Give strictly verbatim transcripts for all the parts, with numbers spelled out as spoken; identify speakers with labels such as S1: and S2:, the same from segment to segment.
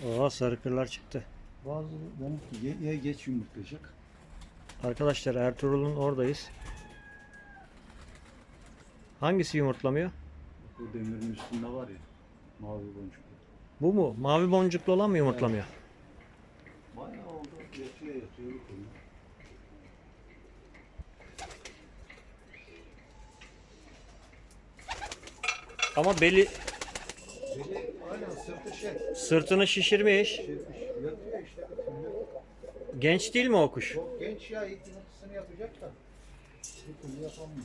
S1: Oo, sarı kırlar çıktı.
S2: Bazı benimki ya geç yumurtlayacak.
S1: Arkadaşlar Ertuğrul'un oradayız. Hangisi yumurtlamıyor?
S2: Bu demirin üstünde var ya. Mavi boncuk.
S1: Bu mu? Mavi boncuklu olan mı yumurtlamıyor?
S2: Bayağı oldu. Yatıyor yatıyor. Bir konu.
S1: Ama beli
S2: Biri aynen sırtı şey.
S1: sırtını şişirmiş.
S2: Şey, yatıyor işte. Bütün.
S1: Genç değil mi o kuş?
S2: Çok genç ya. İlk yumurtasını yapacak da. Bir türlü yapamıyor.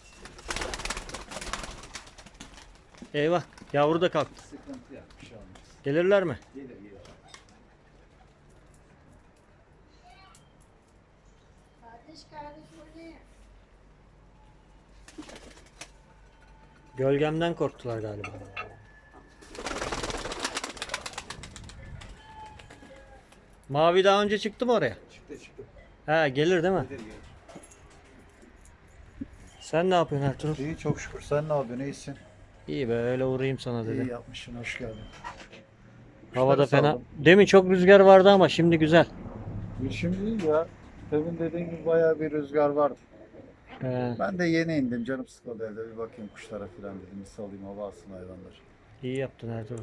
S1: Eyvah, yavru da kalktı.
S2: Sıkıntı yapmış şey olmaz.
S1: Gelirler mi?
S2: Gelir gelir.
S3: Kardeş kardeş oynayın.
S1: Gölgemden korktular galiba. Mavi daha önce çıktı mı oraya?
S2: Çıktı çıktı.
S1: He, gelir değil mi?
S2: Gelir gelir.
S1: Sen ne yapıyorsun Ertuğrul?
S2: İyi çok şükür. Sen ne yapıyorsun? İyisin.
S1: İyi be, öyle uğrayayım sana
S2: İyi
S1: dedim.
S2: yapmışsın. Hoş geldin.
S1: Havada
S2: Kuşları
S1: fena.
S2: saldım.
S1: Demin çok rüzgar vardı ama şimdi güzel.
S2: Şimdi değil ya. Demin dediğin gibi bayağı bir rüzgar vardı.
S1: He,
S2: Ben de yeni indim. Canım sıkıldı evde. Bir bakayım kuşlara falan dedim. Bir salayım hava alsın hayvanlar.
S1: iyi yaptın Ertuğrul.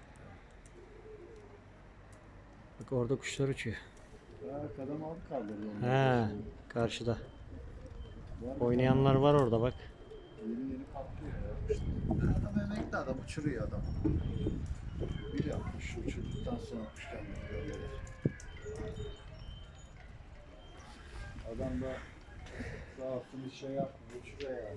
S1: Bak orada kuşlar uçuyor.
S2: Ya kadam aldı kaldırdı
S1: He,
S2: onları.
S1: karşıda.
S2: Var mı?
S1: Oynayanlar var orada bak.
S2: Yeni yeni patlıyor ya. İşte adam emekli adam. Uçuruyor adam. Bir yapmış. Uçurduktan sonra kuş kendini görüyorlar. Adam da sağ olsun hiç şey yapmıyor. Uçuruyor yani.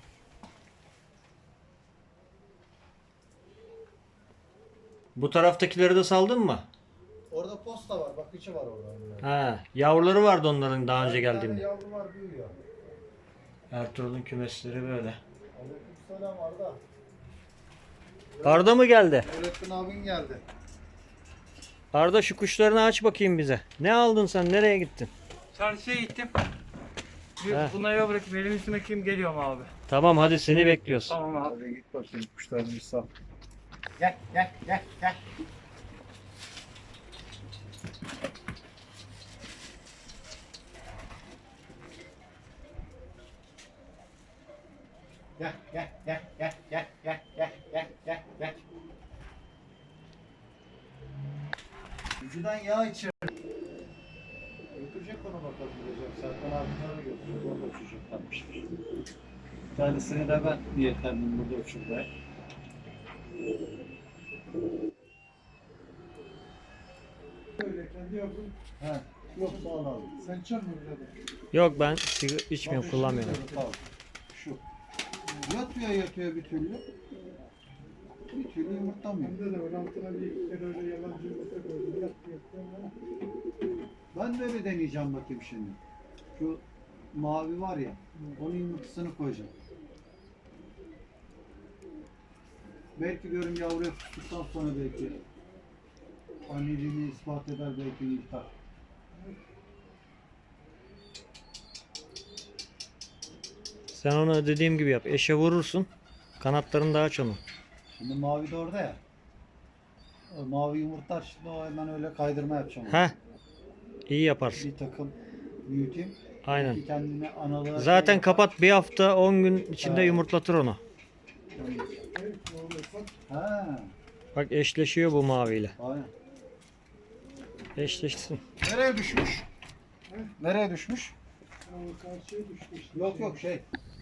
S1: Bu taraftakileri de saldın mı?
S2: Orada posta var. Bakıcı var orada.
S1: Ha, yavruları vardı onların daha önce
S2: Bir tane
S1: geldiğinde.
S2: yavru var büyüyor.
S1: Ertuğrul'un kümesleri böyle.
S2: Aleykümselam Arda.
S1: Arda mı geldi?
S2: Nurettin abin geldi.
S1: Arda, şu kuşlarını aç bakayım bize. Ne aldın sen? Nereye gittin?
S4: Çarşıya gittim. Bir
S1: Heh.
S4: bunları eve bırakıp elimi üstüme kim geliyorum abi.
S1: Tamam, hadi seni bekliyoruz.
S4: Tamam abi.
S2: Hadi git bakayım kuşlarını bir sal. Gel gel gel gel. Gel gel gel gel gel gel gel gel gel gel. Vücudan yağ içer. Götürecek onu bakalım diyeceğim. Serkan abimlere götürüyor. Orada uçacaklarmışlar. Bir tanesini de ben niyetlendim burada uçurmaya.
S5: Öyle kendi yapın.
S2: He. Yok sağ ol abi.
S5: Sen çal mı birader?
S1: Yok, ben sigara içmiyorum,
S2: Bak,
S1: kullanmıyorum.
S2: şimdi de- al. Şu. Yatıyor yatıyor bir türlü. Bir türlü yumurtlamıyor.
S5: Bende de var. Altına bir iki kere öyle yalancı yumurta koydum. Yattı yattı ama.
S2: Ben de öyle deneyeceğim bakayım şimdi. Şu mavi var ya. Onun yumurtasını koyacağım. Belki diyorum yavruya tuttuktan sonra belki anneliğini ispat eder, belki yırtar.
S1: Sen onu dediğim gibi yap. Eşe vurursun. Kanatlarını da aç onu.
S2: Şimdi mavi de orada ya. O mavi yumurtlar, şimdi o hemen öyle kaydırma yapacağım. ona.
S1: Heh. İyi yaparsın.
S2: Bir takım büyüteyim.
S1: Aynen.
S2: Belki kendine analığa
S1: Zaten
S2: şey
S1: kapat, bir hafta on gün içinde
S2: Ha.
S1: yumurtlatır onu.
S5: Hayır, ne olursa
S2: Ha,
S1: Bak, eşleşiyor bu maviyle.
S2: aynen.
S1: Eşleşsin.
S2: Nereye düşmüş? Nereye düşmüş?
S5: o karşıya düştü işte.
S2: Yok yok şey.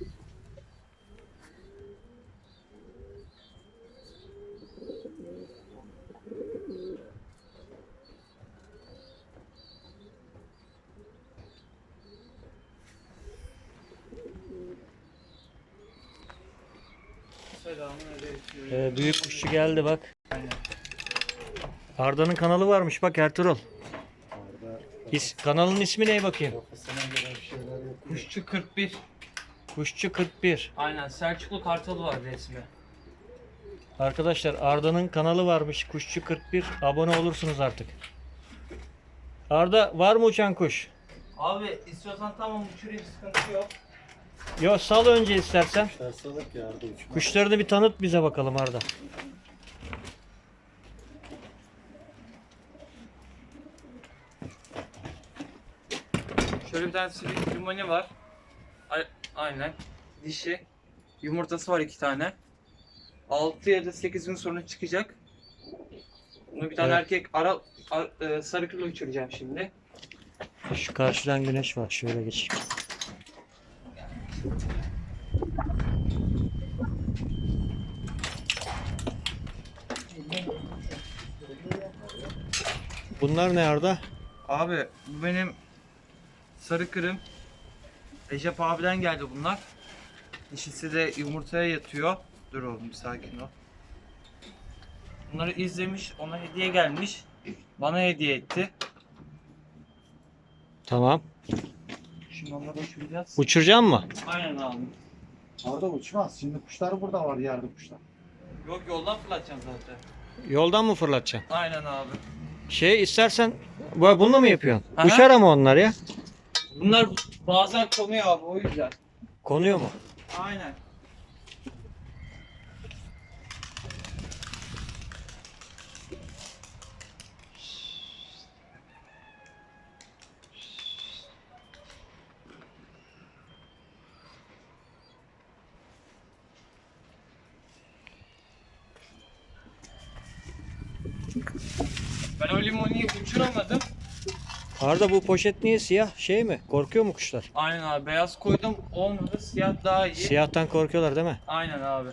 S4: Selamünaleyküm.
S1: Ee, büyük kuşçu geldi bak. Arda'nın kanalı varmış bak Ertuğrul.
S2: Orada
S1: İs, kanalın ismi ne bakayım?
S2: kafasına göre bir şeyler yapıyor.
S4: Kuşçu kırk bir.
S1: Kuşçu kırk bir.
S4: Aynen, Selçuklu Kartalı var resmi.
S1: Arkadaşlar, Arda'nın kanalı varmış. Kuşçu kırk bir. Abone olursunuz artık. Arda, var mı uçan kuş?
S4: Abi istiyorsan tamam uçurayım, sıkıntı yok.
S1: Yo, sal önce istersen.
S2: Kuşlar salak ya arada uçma.
S1: Kuşlarını bir tanıt bize bakalım Arda.
S4: Şöyle bir tane sivri limoni var. A- Aynen. Dişi. Yumurtası var iki tane. altı ya da sekiz gün sonra çıkacak. Bunu bir tane
S1: Evet.
S4: erkek ara, ar- e, sarı kırlı uçuracağım şimdi.
S1: Şu karşıdan güneş var. Şöyle geçeyim. Bunlar ne Arda?
S4: Abi bu benim sarı kırım. Recep abiden geldi bunlar. Dişisi de yumurtaya yatıyor. Dur oğlum bir sakin ol. Bunları izlemiş, ona hediye gelmiş. Bana hediye etti.
S1: Tamam.
S4: Şimdi onları uçuracağız.
S1: Uçuracak mı?
S4: Aynen abi.
S2: Orada uçmaz. Şimdi kuşlar burada var, yerde kuşlar.
S4: Yok yoldan fırlatacağım zaten.
S1: Yoldan mı fırlatacaksın?
S4: Aynen abi.
S1: Şey istersen bu- bununla mı yapıyorsun?
S4: Aha.
S1: Uçar ama onlar ya.
S4: Bunlar bazen konuyor abi o yüzden.
S1: Konuyor mu?
S4: Aynen. Ben o limoniyi uçuramadım.
S1: Arda bu poşet niye siyah? Şey mi? Korkuyor mu kuşlar?
S4: Aynen abi beyaz koydum olmadı siyah daha iyi.
S1: Siyahtan korkuyorlar değil mi?
S4: Aynen abi.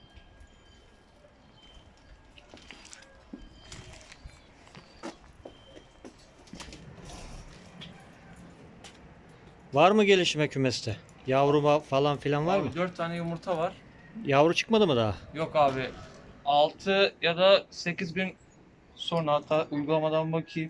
S1: Var mı gelişme kümeste? Yavru ba- falan filan var mı?
S4: Abi dört tane yumurta var.
S1: Yavru çıkmadı mı daha?
S4: Yok abi. altı ya da sekiz gün sonra hatta uygulamadan bakayım.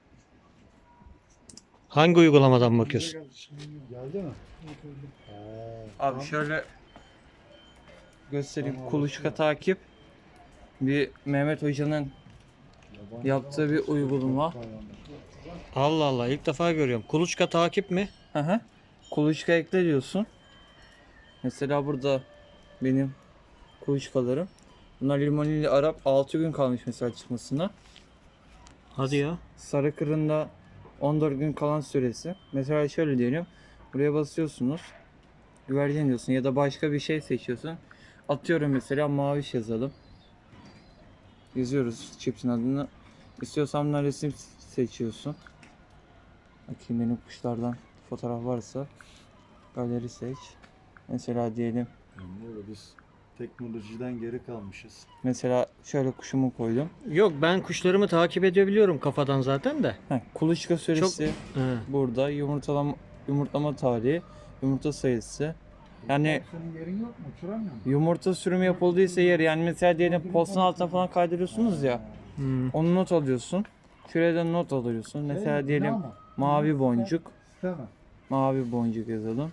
S1: Hangi uygulamadan bakıyorsun?
S2: Geldi mi?
S4: Abi şöyle göstereyim. Kuluçka takip. Bir Mehmet Hoca'nın yaptığı bir uygulama.
S1: Allah Allah ilk defa görüyorum. Kuluçka takip mi?
S4: Hı hı. Kuluçka ekle diyorsun. Mesela burada benim kuluçkalarım. Bunlar limonili Arap altı gün kalmış mesela çıkmasına.
S1: Hadi ya.
S4: Sarı kırında on dört gün kalan süresi. Mesela şöyle diyelim. Buraya basıyorsunuz. Güvercin diyorsun ya da başka bir şey seçiyorsun. Atıyorum mesela maviş yazalım. Yazıyoruz çipsin adını. İstiyorsan bunlar resim seçiyorsun. Bakayım benim kuşlardan fotoğraf varsa. Galeri seç. Mesela diyelim.
S2: Yani biz teknolojiden geri kalmışız.
S4: Mesela şöyle kuşumu koydum.
S1: Yok ben kuşlarımı takip edebiliyorum kafadan zaten de.
S4: Heh, kuluçka süresi
S1: He.
S4: burada. Yumurtalama, yumurtlama tarihi. Yumurta sayısı. Yani
S5: Senin yerin yok mu? Uçuramıyor musun?
S4: yumurta sürümü yapıldıysa yer yani mesela diyelim postun altına falan kaydırıyorsunuz ya.
S1: Hmm.
S4: Onu not alıyorsun. Şuraya da not alıyorsun. Mesela diyelim mavi boncuk.
S5: Tamam.
S4: Mavi boncuk yazalım.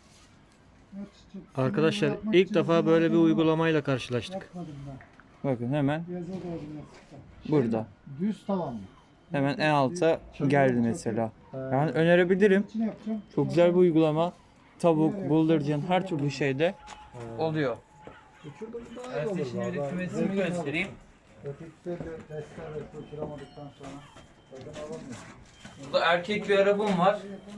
S1: Arkadaşlar ilk defa böyle bir uygulamayla karşılaştık.
S5: Yapmadım ben.
S4: Bakın hemen
S5: Yaza doğru yaptım.
S4: burada.
S2: Düz tavan mı?
S4: Hemen en alta geldi mesela. Yani önerebilirim.
S5: İçine yapacağım.
S4: Çok güzel bir uygulama. Tavuk, bıldırcın her türlü şeyde oluyor.
S2: Uçurdum daha iyi
S4: Ben
S2: olur.
S4: size şimdi bir
S2: vallahi.
S4: kümesimi
S2: Zevkini alır.
S4: göstereyim.
S2: Ötekisi de testler ve uçuramadıktan sonra tadını alamıyor.
S4: Burada erkek bir arabam var.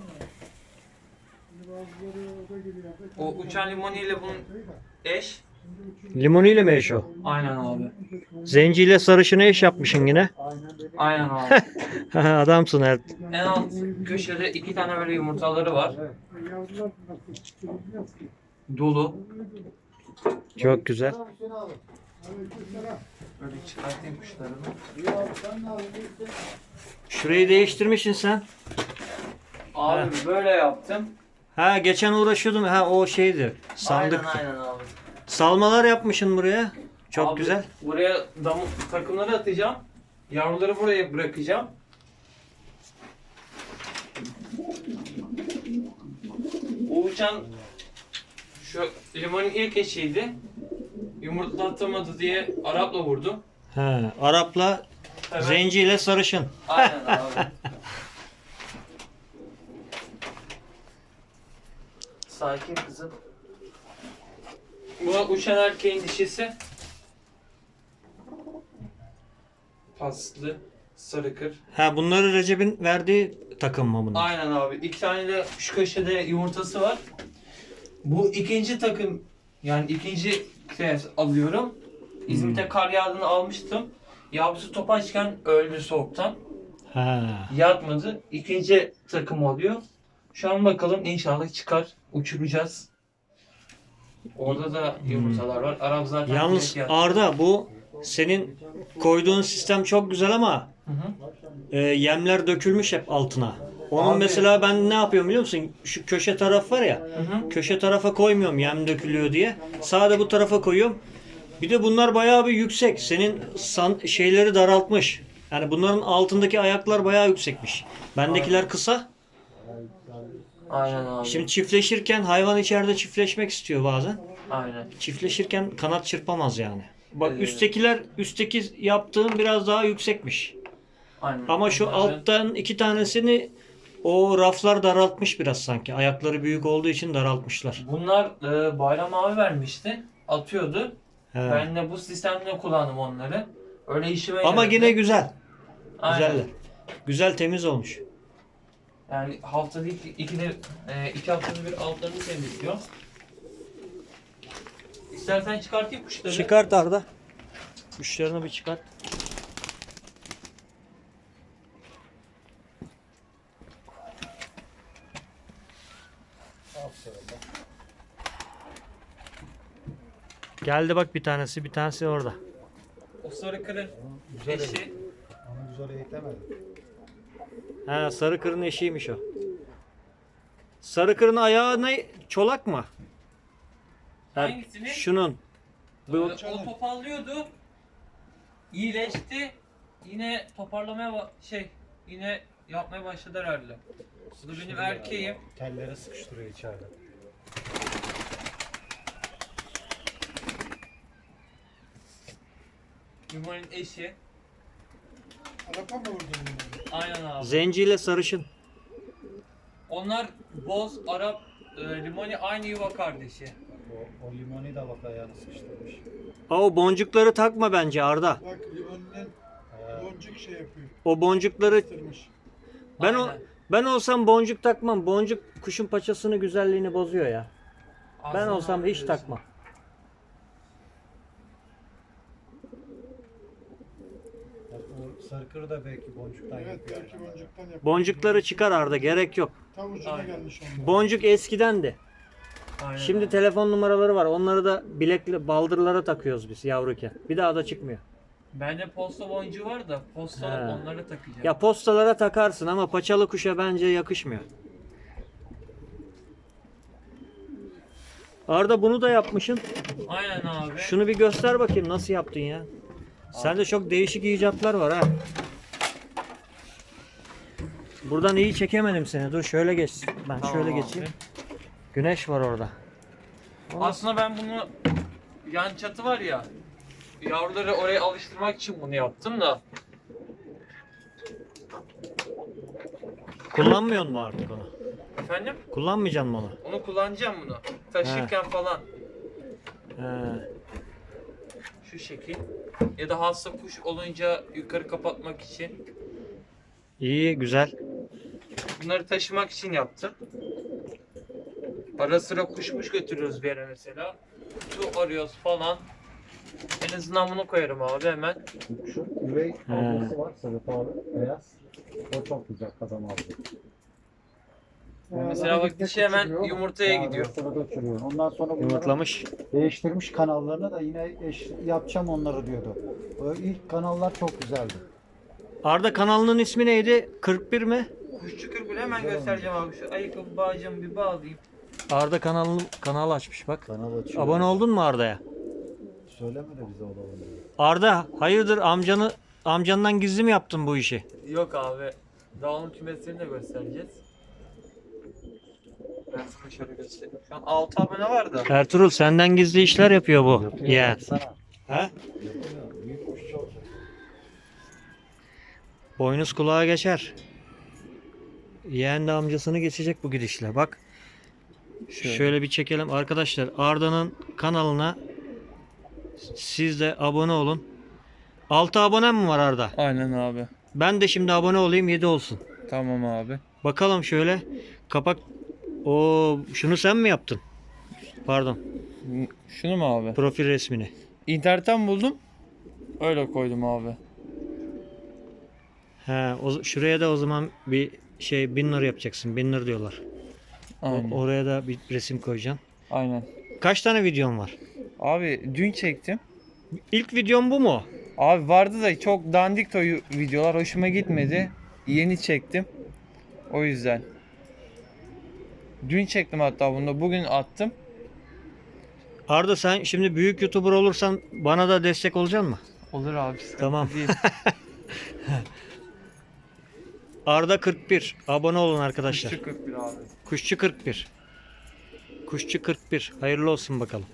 S5: Şimdi bazıları orada geliyor.
S4: O uçan limoniyle bunun eş.
S1: Limoniyle mi eş o?
S4: Aynen abi.
S1: Zenciyle sarışını eş yapmışsın yine.
S4: Aynen abi.
S1: Adamsın her.
S4: En alt köşede iki tane böyle yumurtaları var.
S5: Yavrular nasıl çıkıyor ki?
S4: Dolu.
S1: Çok güzel.
S2: Hüseyin abi.
S5: Aleykümselam.
S4: Böyle çıkartayım kuşlarını.
S2: İyi abi sen ne yapıyorsun?
S1: Şurayı değiştirmişsin sen.
S4: Abi böyle yaptım.
S1: Ha geçen uğraşıyordum. Ha o şeydi. Sandık.
S4: Aynen aynen abi.
S1: Salmalar yapmışsın buraya. Çok
S4: Abi,
S1: güzel.
S4: Buraya dam takımları atacağım. Yavruları buraya bırakacağım. O uçan şu limonun ilk eşiydi. Yumurtlatamadı diye Arap'la vurdum.
S1: Ha, Arap'la
S4: Evet.
S1: zenciyle sarışın.
S4: Aynen abi. Sakin kızım. Bu uçan erkeğin dişisi. Paslı. sarı kır.
S1: Ha bunları Recep'in verdiği takım mı bunlar?
S4: Aynen abi. İki tane de şu köşede yumurtası var. Bu ikinci takım, yani ikinci kez alıyorum. İzmit'te kar yağdığını almıştım. Yavrusu topaçken öldü soğuktan.
S1: Ha.
S4: Yatmadı. İkinci takım oluyor. Şu an bakalım, inşallah çıkar. Uçuracağız. Orada da yumurtalar var. Arap zaten
S1: Yalnız
S4: direkt yattı.
S1: Arda bu senin koyduğun sistem çok güzel ama
S4: Hı hı.
S1: e, yemler dökülmüş hep altına. Onun
S4: Abi-
S1: mesela ben ne yapıyorum biliyor musun? Şu köşe taraf var ya.
S4: Hı hı.
S1: Köşe tarafa koymuyorum yem dökülüyor diye. Sade bu tarafa koyuyorum. Bir de bunlar bayağı bir yüksek. Senin san, şeyleri daraltmış. Yani bunların altındaki ayaklar bayağı yüksekmiş. Bendekiler kısa.
S4: Aynen abi.
S1: Şimdi çiftleşirken hayvan içeride çiftleşmek istiyor bazen.
S4: Aynen.
S1: Çiftleşirken kanat çırpamaz yani. Bak
S4: Evet.
S1: üsttekiler, üstteki yaptığım biraz daha yüksekmiş.
S4: Aynen.
S1: Ama şu
S4: Onları-
S1: alttan iki tanesini o raflar daraltmış biraz sanki. Ayakları büyük olduğu için daraltmışlar.
S4: Bunlar e, Bayram abi vermişti. Atıyordu.
S1: He.
S4: Ben de bu sistemle kullandım onları. Öyle işime
S1: Ama
S4: yaradı.
S1: yine güzel.
S4: Aynen.
S1: Güzeller. Güzel temiz olmuş.
S4: Yani haftada iki, ikide, e, iki haftada bir altlarını temizliyor. İstersen çıkartayım kuşları.
S1: Çıkart Arda. Kuşlarını bir çıkart. Geldi bak bir tanesi, bir tanesi orada.
S4: O sarı kırın
S2: Güzel
S4: eşi.
S2: Onu güzel eğitemedim.
S1: Ha, sarı kırın eşiymiş o. Sarı kırın ayağı ne? Çolak mı? Ha,
S4: Hangisini?
S1: şunun. Bu,
S4: O topallıyordu. İyileşti. Yine toparlamaya ba- şey yine yapmaya başladı herhalde. Bu da benim erkeğim.
S2: Telleri sıkıştırıyor içeride.
S4: Yumanın eşi.
S5: Arapa mı vurdun bunu?
S4: Aynen abi.
S1: zenciyle sarışın.
S4: Onlar Boz, Arap, e, Limoni aynı yuva kardeşi.
S2: O, o limoni da bak ayağını sıkıştırmış.
S1: Aa, o boncukları takma bence Arda.
S5: Bak limonun
S2: Ee,
S5: boncuk şey yapıyor.
S1: O boncukları
S5: Kırmış.
S1: ben o
S4: Aynen.
S1: ben olsam boncuk takmam. Boncuk kuşun paçasını, güzelliğini bozuyor ya. Ben
S4: Aslında
S1: olsam hiç
S4: diyorsun.
S1: takmam.
S2: bak o sarkır da belki boncuktan
S5: Evet
S2: yapıyor.
S5: belki boncuktan yapıyor.
S1: Boncukları çıkar Arda, gerek yok.
S5: Tam ucuna
S4: Aynen.
S5: gelmiş onlar.
S1: Boncuk eskidendi.
S4: Aynen
S1: Şimdi
S4: abi.
S1: telefon numaraları var. Onları da bilekli baldırlara takıyoruz biz yavruken. Bir daha da çıkmıyor.
S4: Bende posta boncuğu var da posta
S1: He.
S4: onlara takacağım.
S1: Ya postalara takarsın ama paçalı kuşa bence yakışmıyor. Arda bunu da yapmışsın.
S4: Aynen abi.
S1: Şunu bir göster bakayım nasıl yaptın ya. Sende çok değişik icatlar var ha. Buradan iyi çekemedim seni. Dur şöyle geç. Ben
S4: Tamam
S1: şöyle
S4: abi.
S1: geçeyim. Güneş var orada.
S4: Aslında ben bunu yan çatı var ya, yavruları oraya alıştırmak için bunu yaptım da.
S1: Kullanmıyor mu artık onu?
S4: Efendim?
S1: Kullanmayacaksın mı onu?
S4: Onu kullanacağım bunu. Taşırken falan.
S1: He.
S4: Şu şekil. Ya da hasta kuş olunca yukarı kapatmak için.
S1: İyi, güzel.
S4: Bunları taşımak için yaptım. Ara sıra kuşmuş götürüyoruz bir yere mesela. Su arıyoruz falan. En azından bunu koyarım abi hemen.
S2: Şu üvey
S1: He.
S2: ablası var sarı pahalı beyaz. O çok güzel kazan aldı.
S4: Mesela bak dişi hemen yumurtaya gidiyor.
S2: Uçuruyor. Ondan sonra bunları
S1: Yumurtlamış.
S2: değiştirmiş kanallarını da yine eş, yapacağım onları diyordu. O ilk kanallar çok güzeldi.
S1: Arda kanalının ismi neydi? kırk bir mi?
S4: Kuşçu kırpını hemen göstereceğim abi. Şu ayakkabı bağcığımı bir bağlayayım.
S1: Arda kanalını kanal açmış bak.
S2: Kanal açıyor.
S1: Abone oldun mu Arda'ya?
S2: Söyleme de bize olalım.
S1: Arda hayırdır amcanı amcandan gizli mi yaptın bu işi?
S4: Yok abi. Dağılım kümeslerini de göstereceğiz. Ben sana şöyle göstereyim. Şu an altı abone var da.
S1: Ertuğrul senden gizli işler yapıyor bu. Ya.
S2: Sana.
S1: Ha?
S2: Yapıyor. Büyük kuşçu olacak.
S1: Boynuz kulağa geçer. Yeğen de amcasını geçecek bu gidişle. Bak. Şöyle. bir çekelim. Arkadaşlar Arda'nın kanalına siz de abone olun. altı abonem mi var Arda?
S4: Aynen abi.
S1: Ben de şimdi abone olayım, yedi olsun.
S4: Tamam abi.
S1: Bakalım şöyle. Kapak. O şunu sen mi yaptın? Pardon.
S4: Şunu mu abi?
S1: Profil resmini.
S4: İnternetten buldum. Öyle koydum abi.
S1: He, o, şuraya da o zaman bir şey banner yapacaksın. Banner diyorlar. O-
S4: Aynen.
S1: oraya da bir resim koyacaksın.
S4: Aynen.
S1: Kaç tane videon var?
S4: Abi dün çektim.
S1: İlk videon bu mu?
S4: Abi vardı da çok dandik o videolar hoşuma gitmedi. Yeni çektim. O yüzden. Dün çektim hatta bunu da bugün attım.
S1: Arda sen şimdi büyük YouTuber olursan bana da destek olacaksın mı?
S4: Olur abi. sıkıntı
S1: Tamam.
S4: değil.
S1: Arda kırk bir. Abone olun arkadaşlar.
S4: Kuşçu kırk bir abi.
S1: Kuşçu kırk bir. Kuşçu kırk bir. Hayırlı olsun bakalım.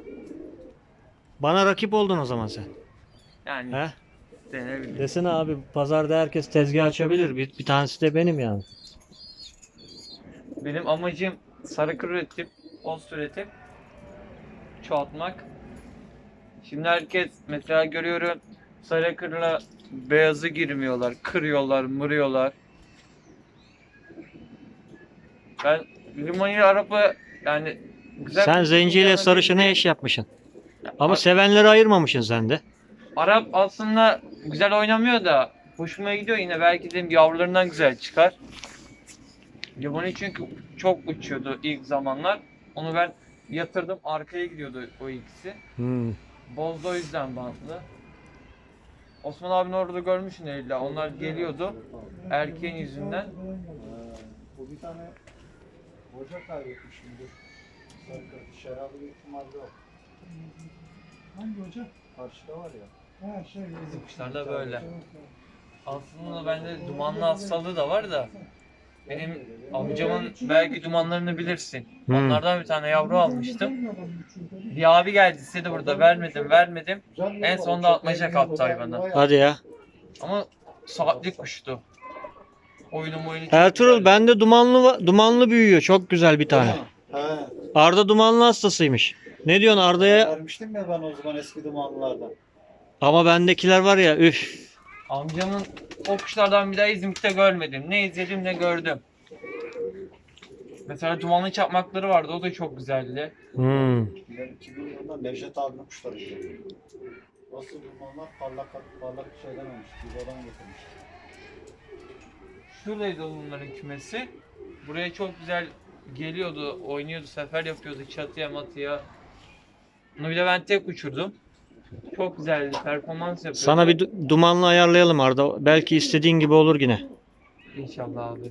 S1: Bana rakip oldun o zaman sen.
S4: Yani
S1: He?
S4: denebilir.
S1: Desene abi, pazarda herkes tezgah açabilir. Bir, bir tanesi de benim yani.
S4: Benim amacım sarı kır üretip, post üretip çoğaltmak. Şimdi herkes mesela görüyorum sarı kırla beyazı girmiyorlar, kırıyorlar, mırıyorlar. Ben limoni araba yani güzel.
S1: Sen zenciyle sarışını eş yapmışsın. Ama sevenleri ayırmamışsın sen de.
S4: Arap aslında güzel oynamıyor da hoşuma gidiyor yine, belki dedim yavrularından güzel çıkar. Limoni çünkü çok uçuyordu ilk zamanlar. Onu ben yatırdım, arkaya gidiyordu o ikisi.
S1: Hmm.
S4: Bozdu o yüzden bantlı. Osman abinin orada görmüşsün illa. Onlar geliyordu erkeğin yüzünden.
S2: Ha, bu bir tane hoca kaybetmiş şimdi. Sarı şarabı bir ihtimalle yok.
S5: Hangi hoca?
S2: Karşıda var ya.
S5: Ha şey.
S4: Bizim kuşlar da böyle. Aslında bende dumanlı hastalığı da var da. Benim amcamın belki dumanlarını bilirsin.
S1: Hmm.
S4: Onlardan bir tane yavru almıştım. Bir abi geldi istedi burada, vermedim vermedim. En sonunda atmaca kaptı hayvanı.
S1: Hadi ya.
S4: Ama saatlik kuştu. Oyunu oyunu çok
S1: Ertuğrul
S4: güzeldi.
S1: bende dumanlı va- dumanlı büyüyor. Çok güzel bir tane.
S2: He.
S1: Arda dumanlı hastasıymış. Ne diyorsun Arda'ya?
S2: Vermiştim ya ben o zaman eski dumanlılardan.
S1: Ama bendekiler var ya, üf.
S4: Amcamın o kuşlardan bir daha İzmit'te görmedim. Ne izledim ne gördüm. Mesela dumanlı çakmakları vardı, o da çok güzeldi.
S1: Hmm.
S2: Ben iki bin yılında Nevşet abinin kuşları izledim. Nasıl dumanlar parlak parlak şeyden olmuş. Bizodan getirmiş.
S4: Şuradaydı onların kümesi. Buraya çok güzel geliyordu, oynuyordu, sefer yapıyordu çatıya matıya. Bunu bir de ben tek uçurdum. Çok güzeldi, performans yapıyordu.
S1: Sana bir du- dumanlı ayarlayalım Arda. Belki istediğin gibi olur yine.
S4: İnşallah abi.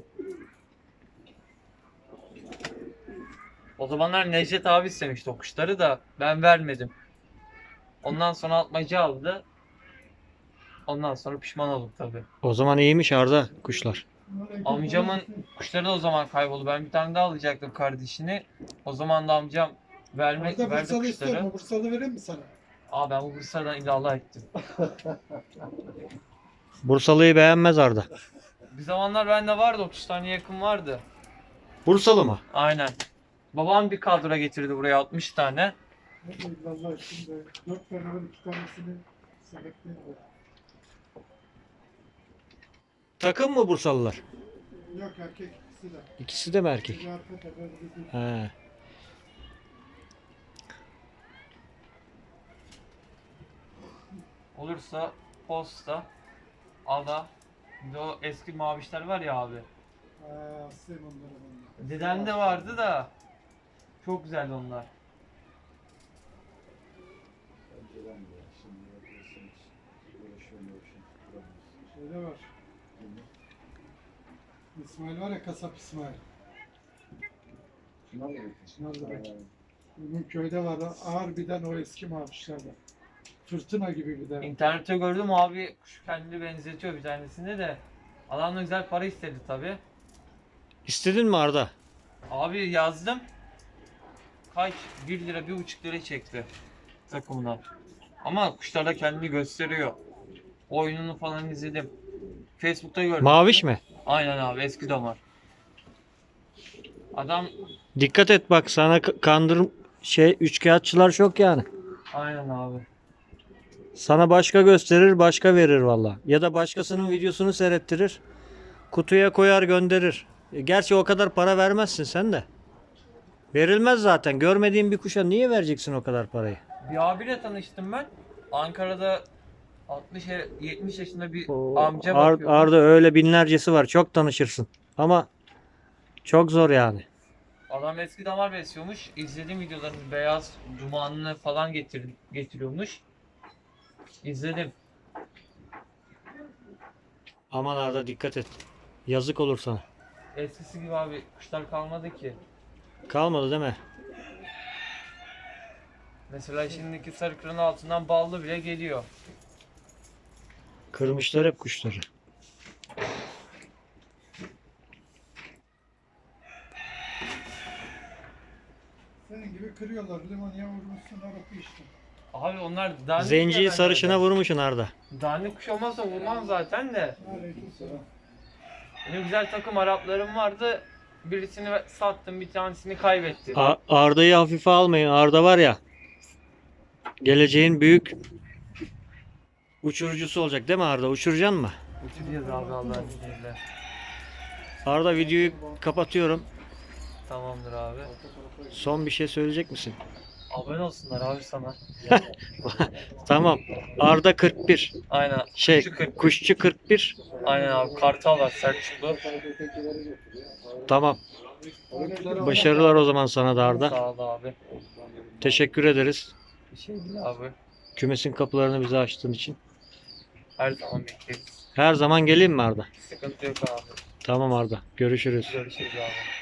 S4: O zamanlar Necdet abi istemişti o kuşları da ben vermedim. Ondan sonra atmaca aldı. Ondan sonra pişman oldum tabii.
S1: O zaman iyiymiş Arda kuşlar.
S4: Amcamın kuşları da o zaman kayboldu. Ben bir tane daha alacaktım kardeşini. O zaman da amcam vermek
S5: Arda
S4: verdi
S5: Bursalı istiyor
S4: kuşları.
S5: mu? Bursalı vereyim mi sana?
S4: Aa ben bu Bursa'dan illallah ettim.
S1: Bursalı'yı beğenmez Arda.
S4: Bir zamanlar bende vardı, otuz tane yakın vardı.
S1: Bursalı mı?
S4: Aynen. Babam bir kadro getirdi buraya, altmış tane.
S5: Ne diyeyim Allah şimdi. Dört tane var, iki tanesini sebepleyeyim de.
S1: Takım mı Bursalılar?
S5: Yok erkek ikisi de.
S1: İkisi de mi erkek?
S5: Biri arka tepe, biri değil.
S1: He.
S4: Olursa posta, ala, bir de o eski mavişler var ya abi.
S5: Aa, aslayım onları ben de.
S4: Dedemde vardı da çok güzeldi onlar.
S2: Önceden de ya. Şimdi yapıyorsun hiç. Uğraşıyor uğraşıyor.
S5: Şeyde var. İsmail var ya, kasap İsmail.
S2: Şuna mı bakıyorsun?
S5: Şuna da bak. Bunun köyde var. Harbiden o eski mavişlerden. Fırtına gibi bir de.
S4: İnternette gördüm abi, kuş kendini benzetiyor bir tanesinde de. Adam da güzel para istedi tabi.
S1: İstedin mi Arda?
S4: Abi yazdım. Kaç? bir lira, bir buçuk lira çekti takımına. Ama kuşlar da kendini gösteriyor. Oyununu falan izledim. Facebook'ta gördüm.
S1: Maviş mi?
S4: Aynen abi, eski damar. Adam
S1: Dikkat et bak, sana k- kandır şey üçkağıtçılar çok yani.
S4: aynen abi.
S1: Sana başka gösterir, başka verir valla. Ya da başkasının videosunu seyrettirir. Kutuya koyar gönderir. E, Gerçi o kadar para vermezsin sen de. Verilmez zaten. Görmediğin bir kuşa niye vereceksin o kadar parayı?
S4: Bir abiyle tanıştım ben. Ankara'da altmış yetmiş yaşında bir
S1: O
S4: amca
S1: Ar-
S4: bakıyor.
S1: Arda öyle binlercesi var. Çok tanışırsın. Ama çok zor yani.
S4: Adam eski damar besliyormuş. İzlediğim videolarını beyaz dumanını falan getir getiriyormuş. İzledim.
S1: Aman Arda dikkat et. Yazık olur sana.
S4: Eskisi gibi abi kuşlar kalmadı ki.
S1: Kalmadı değil mi?
S4: Mesela şimdiki sarı kırın altından ballı bile geliyor.
S1: Kırmışlar hep kuşları.
S5: Senin gibi kırıyorlar. Limoniye vurmuşsun arası işte.
S4: Abi onlar dandik
S1: Zenciyi
S4: ya
S1: sarışına
S4: bende.
S1: vurmuşsun Arda.
S4: Dandik kuş olmazsa vurmam zaten de.
S5: Aleykümselam.
S4: Benim güzel takım Araplarım vardı. Birisini sattım, bir tanesini kaybettim.
S1: A- Arda'yı hafife almayın. Arda var ya. Geleceğin büyük uçurucusu olacak değil mi Arda? Uçuracaksın mı?
S4: Uçuracağız abi Allah'ın izniyle.
S1: Arda videoyu kapatıyorum.
S4: Tamamdır abi.
S1: Son bir şey söyleyecek misin?
S4: Abone olsunlar abi sana.
S1: Tamam. Arda kırk bir.
S4: Aynen.
S1: Şey
S4: Kuşçu kırk.
S1: kuşçu kırk bir.
S4: Aynen abi. Kartal var Selçuklu.
S1: Tamam. Başarılar o zaman sana da Arda.
S4: Sağ ol abi.
S1: Teşekkür ederiz.
S4: Bir şey değil abi.
S1: Kümesin kapılarını bize açtığın için.
S4: Her zaman bekleriz.
S1: Her zaman geleyim mi Arda?
S4: Sıkıntı yok abi.
S1: Tamam Arda. Görüşürüz.
S4: Görüşürüz abi.